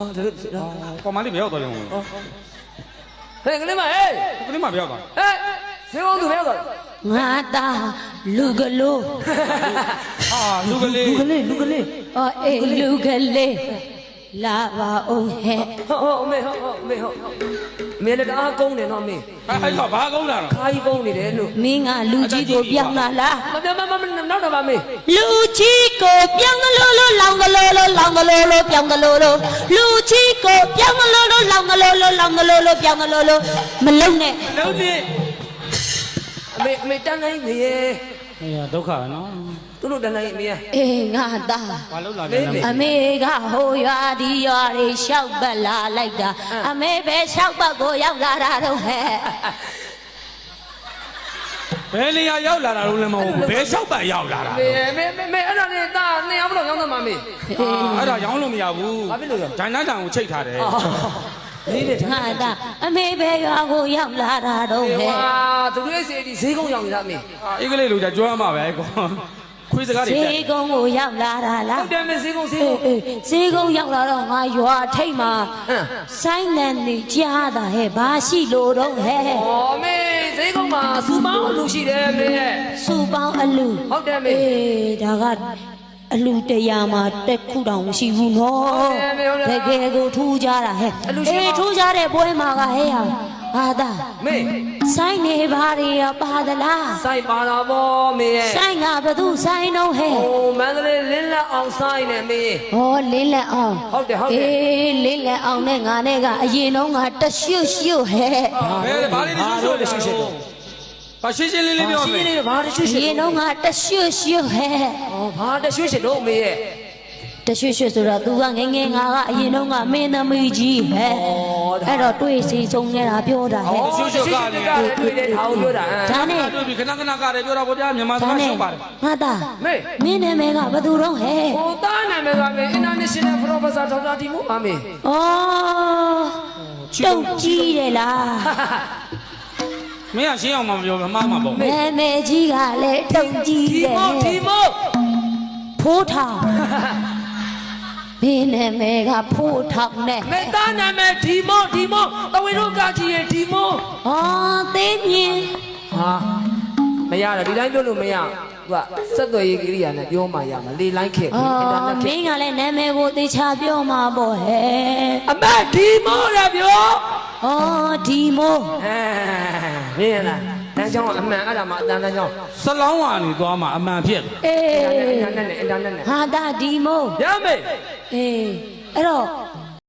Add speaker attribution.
Speaker 1: ကောမလေးမရောက်တော့ရုံ
Speaker 2: ဟဲ့ကလေးမဟဲ့
Speaker 1: ကလေးမမရောက်တော့
Speaker 2: ဟဲ့ဈေးကောင်းသူမရောက်တော့
Speaker 3: ငါသားလူကလို့
Speaker 1: ဟာလူကလေး
Speaker 3: အော်အေးလူကလေးလာပါအောင်ဟဲ့
Speaker 2: ဟုတ်အမေဟုတ်အမေလည်းတအားကုန်းတယ်နော်အမေ
Speaker 1: ဟဲ့ဘာကုန်းလာတော့
Speaker 2: ခါကြီးကုန်းနေတယ်လို့
Speaker 3: မင်းကလူကြီးကိုပြောင်းလာလား
Speaker 2: မနောက်တော့ပါမေ
Speaker 3: လူကြီးကိုပြောင်းကလို့လောင်ကလို့လောင်ကလို့ပြောင်းကလို့လူကြီးကိုပြောင်းကလို့လောင်ကလို့လောင်ကလို့ပြောင်းကလို့မလုံနဲ့
Speaker 2: လုံးနေအမေတန်းနိုင်နေရဲ့
Speaker 1: အေးဒုက္ခပဲနော်
Speaker 2: သူတို့တန်းနိုင်အမေ
Speaker 3: အေးငါသား
Speaker 1: ဘာလို့လာလဲ
Speaker 3: အမေကဟိုရွာဒီရွာတွေလျှောက်ပတ်လာလိုက်တာအမေပဲလျှောက်ပတ်ကိုရောက်လာတာတော့ဟဲ့
Speaker 1: ဘယ်နေရာရောက်လာတာလို့လည်းမဟုတ်ဘူးဘယ်လျှောက်ပတ်ရောက်လာတာ
Speaker 2: မေအဲ့ဒါနဲ့တာနေအောင်မလို့ရောင်းတော့မှာမေ
Speaker 1: အဲ့ဒါရောင်းလို့မရဘူး
Speaker 2: ဘာဖြစ်လို့လဲ
Speaker 1: ဂျိုင်းသားတန်ကိုချိတ်ထားတယ်
Speaker 2: လေးတဲ့
Speaker 3: ငါသားအမေပဲရွာကိုရောက်လာတာတော့ဟဲ့
Speaker 2: ဟာသူတို့ရဲ့စီဒီဈေးကုန်းရောက်နေတာအမေ
Speaker 1: အေးကလေးလိုကြကြွမ်းမှာပဲကွာခွေးစကားတွေ
Speaker 3: ဈေးကုန်းကိုရောက်လာတာလား
Speaker 2: ဟုတ်တယ်မေဈေးကုန်းဈေးကုန်း
Speaker 3: ရောက်လာတော့ငါရွာထိတ်မှာဆိုင်းနေနေကြားတာဟဲ့ဘာရှိလို့တော့ဟဲ့
Speaker 2: ဩမေဈေးကုန်းမှာစူပေါင်းအလူရှိတယ်မေရဲ့
Speaker 3: စူပေါင်းအလူ
Speaker 2: ဟုတ်တယ်မေ
Speaker 3: ဒါကအလူတရားမှာတက်ခုတောင်မရှိဘူးနော်တကယ်ကိုထူးကြတာဟဲ့ထူးကြတဲ့ပွဲမှာကဟဲ့ဟာသာ
Speaker 2: မေ
Speaker 3: ဆိုင်နေပါရပါသလား
Speaker 2: ဆိုင်ပါတော့ဗောမေရဲ့
Speaker 3: ဆိုင်ကဘသူဆိုင်တော့ဟဲ့
Speaker 2: မန္တလေးလင်းလက်အောင်ဆိုင်နေမေ
Speaker 3: ဟောလင်းလက်အောင်
Speaker 2: ဟုတ်တယ်
Speaker 3: လင်းလက်အောင်နဲ့ငါနဲ့ကအရင်တော့ငါတရွှတ်ဟဲ့
Speaker 1: ဘယ်ဘာလေးတရွှတ်တော့ဘာရှင်းရှင်းလေးပြောမယ်
Speaker 2: ရှင်းလေးဘာတရွှတ်
Speaker 3: ရင်တော့ငါတရွှတ်ဟဲ့
Speaker 2: ဘာတရွှတ်တော့မေရဲ့
Speaker 3: တရွှတ်ဆိုတာ तू ကငငယ်ငါကအရင်တော့ငါမင်းသမီးကြီးဟဲ့အဲ့တော့တွေ့စီဆုံးနေတာပြောတာဟဲ့
Speaker 2: ရွှတ်ကလည်းတွေ့တဲ့ဟာကိုပြောတာ
Speaker 3: ဒါနဲ့
Speaker 1: တွေ့ပြီခဏကလည်းပြောတာပေါ့ဗျာမြန်မာစကားရှုပ်ပါတယ်
Speaker 3: ငါသားမင်းနာမည်ကဘသူတော့ဟဲ့
Speaker 2: ဟိုသားနာမည်ကမေ International Professor ဒေါက်တာတီမိုပါမေ
Speaker 3: ဩတုတ်ကြီးတယ်လား
Speaker 1: မင်းကရှင်းအောင်မပြောဘူးမှားမှာပေါ့
Speaker 3: မဲမဲကြီးကလည်းတုံကြီးတယ်
Speaker 2: ဒီမို့
Speaker 3: ဖိုးထောင်မင်းနာမည်ကဖိုးထောင်နဲ့
Speaker 2: မေသားနာမည်ဒီမို့တဝင်းတို့ကကြီးရဲ့ဒီမို့
Speaker 3: ဩသိမြင်
Speaker 2: ဟာမရတော့ဒီတိုင်းပြောလို့မရသူကစက်သွယ်ရေးကိရိယာနဲ့ပြောမှရမှာလေလိုင်းခေတ်အင်တာနက်ခေတ်
Speaker 3: မင်းကလည်းနာမည်ကိုသေချာပြောမှာပေါ့ဟဲ့
Speaker 2: အမဒီမို့ရပြော
Speaker 3: ဩဒီမို့
Speaker 2: မင်းလားတန်းချောင်းအမှန်အဲ့ဒါမှအတန်းချောင်း
Speaker 1: စလောင်းကနေသွားမှအမှန်ဖြစ်
Speaker 3: အေး
Speaker 2: အင်တာနက်နဲ့
Speaker 3: ဟာတာဒီမို့
Speaker 2: ရမေ
Speaker 3: အေးအဲ့တော့